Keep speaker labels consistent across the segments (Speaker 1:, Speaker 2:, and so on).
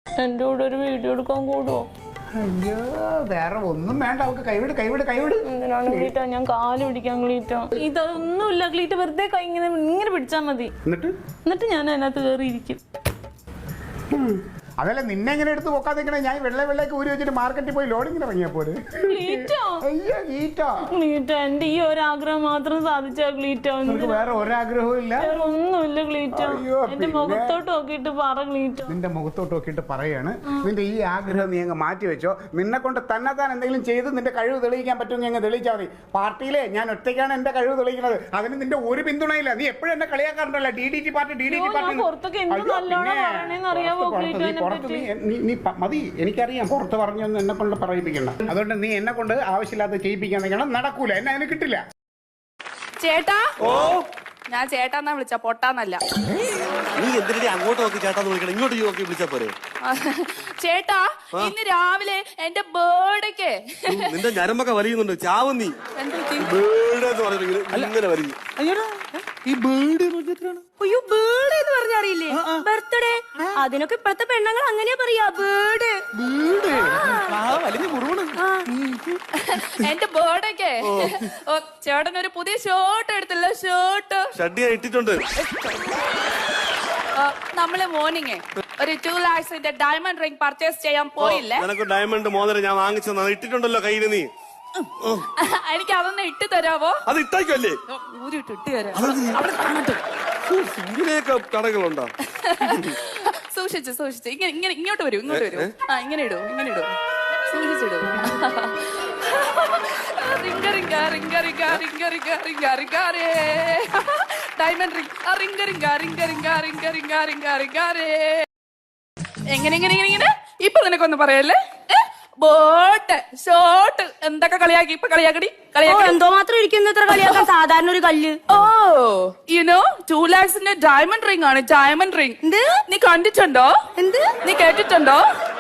Speaker 1: എന്റെ കൂടെ ഒരു വീഡിയോ എടുക്കാൻ കൂടുവോ?
Speaker 2: അയ്യോ വേറെ ഒന്നും വേണ്ട, അവൾക്ക് കൈവിട്.
Speaker 1: എന്തിനാണ് ക്ലീറ്റ? ഞാൻ കാല് പിടിക്കാൻ ക്ലീറ്റ. ഇതൊന്നുമില്ല ക്ലീറ്റ, വെറുതെ കൈ ഇങ്ങനെ പിടിച്ചാ മതി. എന്നിട്ട് ഞാൻ അതിനകത്ത് കയറിയിരിക്കും.
Speaker 2: അതല്ല നിന്നെ എങ്ങനെ എടുത്ത് പോക്കാതെ ഞാൻ വെള്ളയ്ക്ക് ഊരി വെച്ചിട്ട് മാർക്കറ്റിൽ പോയി ലോഡിങ്ങിന് ഇറങ്ങിയാ പോലെ.
Speaker 1: എന്റെ ഈ ഒരാഗ്രഹം മാത്രം സാധിച്ചാ ക്ലീറ്റ.
Speaker 2: വേറെ ഒരാഗ്രഹവും ഇല്ല,
Speaker 1: ഒന്നുമില്ല ക്ലീറ്റ. എന്റെ മുഖത്തോട്ട് നോക്കിയിട്ട് പറ ക്ലീറ്റ.
Speaker 2: നിന്റെ മുഖത്തോട്ട് നോക്കിയിട്ട് പറയാണ്, നിന്റെ ഈ ആഗ്രഹം നീ അങ്ങ് മാറ്റി വെച്ചോ. നിന്നെ കൊണ്ട് തന്നെത്താൻ എന്തെങ്കിലും ചെയ്ത് നിന്റെ കഴിവ് തെളിയിക്കാൻ പറ്റുമെങ്കിൽ അങ്ങ് തെളിയിച്ചാൽ മതി. പാർട്ടിയിലെ ഞാൻ ഒറ്റയ്ക്കാണ് എന്റെ കഴിവ് തെളിയിക്കുന്നത്, അതിന് നിന്റെ ഒരു പിന്തുണയില്ല. നീ എപ്പോഴും എന്നെ കളിയാക്കാറുണ്ടല്ലോ, DDT പാർട്ടി.
Speaker 1: പുറത്തൊക്കെ എന്ത് നല്ലോണം പറയണേന്ന് അറിയാവോ ക്ലീറ്റ?
Speaker 2: നീ മതി, എനിക്കറിയാം പുറത്ത് പറഞ്ഞൊന്നും എന്നെ കൊണ്ട് പറയിപ്പിക്കണ്ട. അതുകൊണ്ട് നീ എന്നെ കൊണ്ട് ആവശ്യമില്ലാത്ത ചെയ്യിപ്പിക്കാൻ നിൽക്കണം, നടക്കൂല, എന്നെ അതിന് കിട്ടില്ല.
Speaker 3: ചേട്ടാ, ഞാൻ ചേട്ടാന്നാ വിളിച്ച, പൊട്ടാന്നല്ല.
Speaker 4: നീ എന്തിനാ അങ്ങോട്ട് നോക്കി ചേട്ടാന്ന് വിളിക്കണം, ഇങ്ങോട്ട് നോക്കി വിളിച്ചാ പോരെ?
Speaker 3: ചേട്ടാ, ഇന്ന് രാവിലെ എന്റെ ബേർഡേക്ക്
Speaker 4: നിന്റെ ഞരമ്പൊക്കെ വലിയുന്നുണ്ട്, ചാവും നീ. ബേർഡ് എന്ന് പറയുന്നത് ഇങ്ങനെ വലിയും.
Speaker 5: ഈ ബേർഡ് അയ്യോ ബേർഡ് എന്ന് പറഞ്ഞറിയില്ലേ? ബർത്ത്ഡേ അതിനൊക്കെ ഇപ്പഴത്തെ പെണ്ണുങ്ങൾ അങ്ങനെയാ പറയാ, ബേർഡ്.
Speaker 3: എന്റെ ബേർഡേക്ക് ചേട്ടൻ ഒരു പുതിയ ഷർട്ട് എടുത്തില്ല,
Speaker 4: ഷഡ്ഡിയാ ഇട്ടിട്ടുണ്ട്.
Speaker 3: നമ്മള് മോർണിംഗ് ഒരു 2 lakhs ഡയമണ്ട് റിംഗ് പർച്ചേസ് ചെയ്യാൻ പോയില്ലേ?
Speaker 4: നിനക്ക് ഡയമണ്ട് മോതിരം ഞാൻ വാങ്ങിച്ചത് ഇട്ടിട്ടുണ്ടല്ലോ കയ്യില്. നീ
Speaker 3: എനിക്ക് അതൊന്ന് ഇട്ട് തരാവോ?
Speaker 4: അത് ഇട്ടേക്കല്ലേ?
Speaker 3: ഇട്ട് തരാം, അവിടെ കാണട്ടെ.
Speaker 4: ഇങ്ങനെയൊക്കെ കടകളുണ്ടോ?
Speaker 3: സൂക്ഷിച്ച് ഇങ്ങോട്ട് വരൂ. ഇങ്ങനെ ഇടൂ, സൂക്ഷിച്ചിടൂ. ഡയമണ്ട് റിംഗ് എങ്ങനെ ഇപ്പൊ നിനക്കൊന്നും പറയല്ലേ? ബോട്ട് ഷോട്ട് എന്തൊക്കെ കളിയാക്കി, ഇപ്പൊ കളിയാക്കടി.
Speaker 5: എന്തോ മാത്രം ഇരിക്കുന്നു ഇത്ര കളിയാക്കാൻ, സാധാരണ ഒരു കല്ല്.
Speaker 3: ഓ യുനോ 2 lakhs ഡയമണ്ട് റിംഗ് ആണ്, ഡയമണ്ട് റിംഗ്. നീ കണ്ടിട്ടുണ്ടോ? നീ കേട്ടിട്ടുണ്ടോ?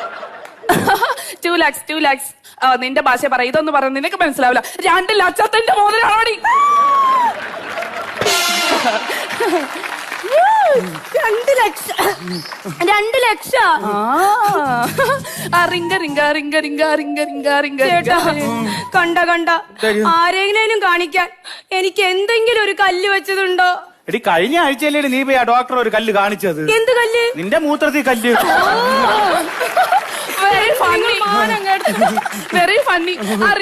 Speaker 3: 2 lakhs. നിന്റെ ഭാഷ പറ, ഇതൊന്നും പറഞ്ഞു നിനക്ക് മനസ്സിലാവില്ല. 2 ലക്ഷത്തിന്റെ മോതിരാണോടി?
Speaker 5: 2 ലക്ഷം. 2 ലക്ഷം. ചേട്ടാ കണ്ട ആരെങ്കിലും കാണിക്കാൻ എനിക്ക് എന്തെങ്കിലും ഒരു കല്ല് വെച്ചതുണ്ടോ?
Speaker 6: എടി കഴിഞ്ഞ ആഴ്ചയല്ലേ നീ പോയി ആ ഡോക്ടർ ഒരു കല്ല് കാണിച്ചത്?
Speaker 5: എന്ത് കല്ല്?
Speaker 6: നിന്റെ മൂത്രത്തിൽ കല്ല്.
Speaker 3: Very funny.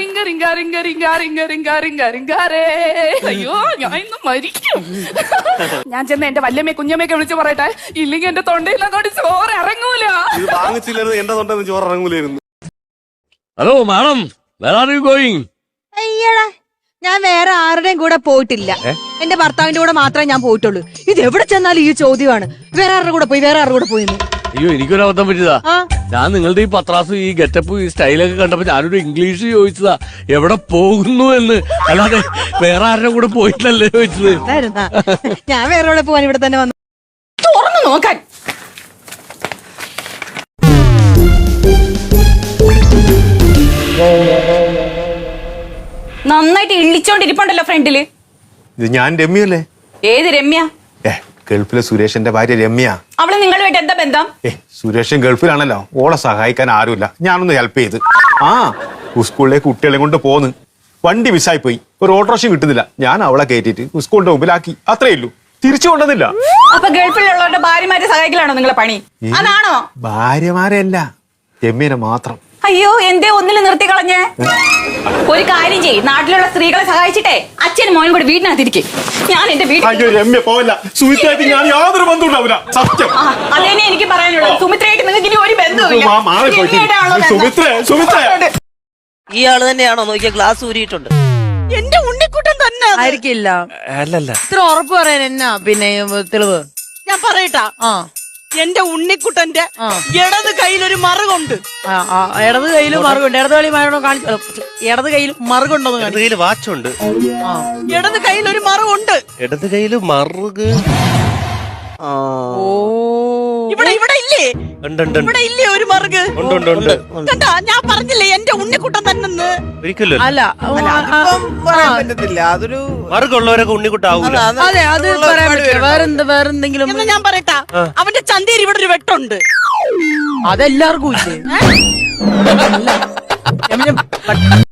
Speaker 3: അയ്യോ ഞാൻ ഇന്ന് മരിക്കും. ഞാൻ ചെന്ന് എന്റെ വല്യമ്മയെ കുഞ്ഞമ്മയൊക്കെ വിളിച്ചു പറയട്ടെ, ഇല്ലെങ്കിൽ എന്റെ തൊണ്ടയിലങ്ങോട്ട് ചോറ് ഇറങ്ങൂല.
Speaker 4: വാങ്ങിച്ചില്ലായിരുന്നു എന്റെ തൊണ്ടെന്ന് ചോറ് ഇറങ്ങൂലായിരുന്നു.
Speaker 7: Hello madam, where are you going?
Speaker 8: അയ്യടാ, ഞാൻ വേറെ ആരുടെയും കൂടെ പോയിട്ടില്ല. എന്റെ ഭർത്താവിന്റെ കൂടെ മാത്രമേ ഞാൻ പോയിട്ടുള്ളൂ. ഇത് എവിടെ ചെന്നാലും ഈ ചോദ്യമാണ്, വേറെ ആരുടെ കൂടെ പോയി.
Speaker 7: അയ്യോ എനിക്കൊരു അബദ്ധം പറ്റിയതാ. ഞാൻ നിങ്ങളുടെ ഈ പത്രാസ്, ഈ ഗെറ്റപ്പ്, ഈ സ്റ്റൈലൊക്കെ കണ്ടപ്പോ ഞാനൊരു ഇംഗ്ലീഷ് ചോദിച്ചതാ, എവിടെ പോകുന്നു എന്ന്, അല്ലാതെ വേറെ ആരുടെ കൂടെ പോയിട്ടല്ലേ ചോദിച്ചത്.
Speaker 8: ഞാൻ വേറെ എവിടെ പോവാൻ ഇവിടെ തന്നെ വന്നു.
Speaker 3: തുറന്നു നോക്കാൻ
Speaker 5: നന്നായിട്ട് ഇള്ളിച്ചോണ്ടിരിപ്പുണ്ടല്ലോ ഫ്രണ്ടില്.
Speaker 4: ഇത് ഞാൻ രമ്യല്ലേ?
Speaker 5: ഏത് രമ്യ?
Speaker 4: ഗൾഫിലെ സുരേഷിന്റെ ഭാര്യ രമ്യ.
Speaker 5: അവള് നിങ്ങളുമായിട്ട് എന്താ ബന്ധം?
Speaker 4: സുരേഷൻ ഗൾഫിലാണല്ലോ, ഓളെ സഹായിക്കാൻ ആരുമില്ല, ഞാനൊന്ന് ഹെൽപ്പ് ചെയ്ത്. സ്കൂളിലേക്ക് കുട്ടികളെ കൊണ്ട് പോന്ന് വണ്ടി മിസ്സായി പോയി, ഒരു ഓട്ടോറിക്ഷ കിട്ടുന്നില്ല. ഞാൻ അവളെ കയറ്റിട്ട് സ്കൂളിന്റെ മുമ്പിലാക്കി, അത്രേ ഉള്ളൂ, തിരിച്ചു കൊണ്ടുവന്നില്ല.
Speaker 5: അപ്പൊ ഗൾഫിലുള്ളവരുടെ ഭാര്യമാരെ സഹായിക്കലാണോ നിങ്ങളെ പണി? അതാണോ?
Speaker 4: ഭാര്യമാരല്ല, രമ്യനെ മാത്രം.
Speaker 5: അയ്യോ എന്തേ ഒന്നില് നിർത്തി കളഞ്ഞേ? ഒരു കാര്യം ചെയ്യ്, നാട്ടിലുള്ള സ്ത്രീകളെ സഹായിച്ചിട്ടേ അച്ഛനും മോനും കൂടി വീട്ടിനകത്തിരിക്കും. ഞാൻ എന്റെ വീട്ടിൽ
Speaker 4: രമ്യ പോവില്ല, സുമിത്രയായിട്ട് ഞാൻ യാതൊരു ബന്ധവും ഉണ്ടാവില്ല, സത്യം.
Speaker 5: അതന്നെ എനിക്ക് പറയാനുള്ളത്. സുമിത്രയായിട്ട് നിങ്ങൾക്ക് ഇനി ഒരു ബന്ധവുമില്ല.
Speaker 9: ഈ ആള് തന്നെയാണോ നോക്കിയ ഗ്ലാസ് ഊരിയിട്ടുണ്ട്?
Speaker 8: എന്റെ ഉണ്ണിക്കുട്ടൻ തന്നെ ആയിരിക്കില്ല. ഇത്ര ഉറപ്പ് പറയാൻ എന്നാ പിന്നെ തെളിവ്? ഞാൻ പറയട്ടാ, എന്റെ ഉണ്ണിക്കുട്ടന്റെ ഇടത് കയ്യിലൊരു മറുകുണ്ട്. ഇടത് കയ്യിൽ മറുകുണ്ട്. ഇടത് കളി കാണിച്ചു. ഇടത് കയ്യിൽ മറുകുണ്ടോ?
Speaker 4: ഇടത് കയ്യിൽ വാച്ചുണ്ട്.
Speaker 8: ഇടത് കയ്യിൽ ഒരു മറുകുണ്ട്.
Speaker 4: ഇടത് കയ്യിൽ മറുക്
Speaker 8: ഇവിടെ ഇല്ല. ഇല്ലേ
Speaker 10: ഉണ്ട്, ഉണ്ട്, ഉണ്ട്.
Speaker 8: ഇവിടെ ഇല്ലേ ഒരു മറുക്
Speaker 10: ഉണ്ട്, ഉണ്ട്, ഉണ്ട്.
Speaker 8: കണ്ടാ ഞാൻ പറഞ്ഞില്ലേ എന്റെ ഉണ്ണിക്കുട്ടൻ തന്നെ
Speaker 10: ഒരിക്കലും
Speaker 8: അല്ല
Speaker 11: അതിപ്പം പറയാൻ പറ്റത്തില്ല. അതൊരു
Speaker 10: മറുകുള്ളവരൊക്കെ ഉണ്ണിക്കുട്ടാവൂല.
Speaker 8: അതെ അത് പറയാൻ പറ്റില്ല. വേറെന്തെങ്കിലും ഞാൻ പറയട്ടാ അവന്റെ ചന്തയിൽ ഇവിടെ ഒരു വെട്ടുണ്ട് അതെല്ലാവർക്കും ഇല്ലേ